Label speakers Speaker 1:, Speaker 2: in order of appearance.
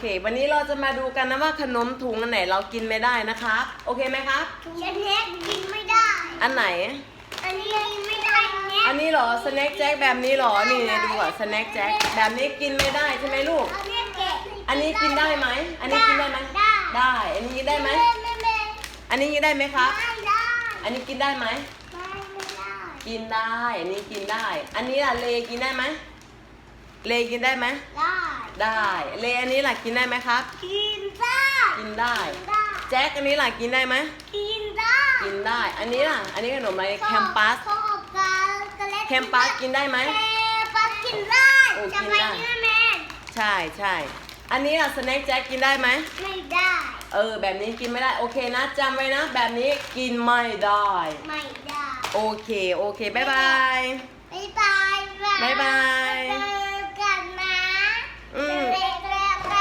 Speaker 1: วันนี้เราจะมาดูกันนะว่าขนมถุงอันไหนเรากินไม่ได้นะครับโอเคไหมครับ
Speaker 2: ฉันเน็กกินไม่ได้
Speaker 1: อันไหน
Speaker 2: อันนี้กินไม่ได้เน็ก
Speaker 1: อันนี้เหรอสแน็คแจ็คแบบนี้เหรอนี่ดูก่อนสแน็คแจ็คแบบนี้กินไม่ได้ใช่ไหมลูก
Speaker 2: เอาเน็กแกะ
Speaker 1: อันนี้กินได้ไหมอันนี้กินได้ไหม
Speaker 2: ได้
Speaker 1: ได้อันนี้กินได้ไหม
Speaker 2: ไม่
Speaker 1: อันนี้กินได้ไหมครับ
Speaker 2: ได้
Speaker 1: อันนี้กินได้ไหม
Speaker 2: ไม่ได้
Speaker 1: กินได้อันนี้กินได้ อันนี้ล่ะเลกินได้ไหมเลกินได้ไหม
Speaker 2: ได้
Speaker 1: ได้เลอันนี้ล่ะกินได้ไหมครับ
Speaker 2: กินได้
Speaker 1: กินได้
Speaker 2: ได้
Speaker 1: แจ็คอันนี้ล่ะกินได้ไหม
Speaker 2: กินได้
Speaker 1: กินได้ อันนี้ล่ะอันนี้ขนมอะไรแคมปัส
Speaker 2: เขาออกกัน
Speaker 1: แคมปัสกินได้ไหม
Speaker 2: แคมปัสกินได้
Speaker 1: โอ้
Speaker 2: จะ
Speaker 1: กิน
Speaker 2: ไป
Speaker 1: ได้
Speaker 2: นี่แม่
Speaker 1: ใช่ใช่อันนี้ล่ะสแน็คแจ็คกินได้ไหม
Speaker 2: ไม่ได้
Speaker 1: แบบนี้กินไม่ได้โอเคนะจำไว้นะแบบนี้กินไม่ได้
Speaker 2: ไม่ได้
Speaker 1: โอเคบ๊ายบาย
Speaker 2: บ๊ายบาย
Speaker 1: บ๊ายบาย
Speaker 2: บ๊ายบาย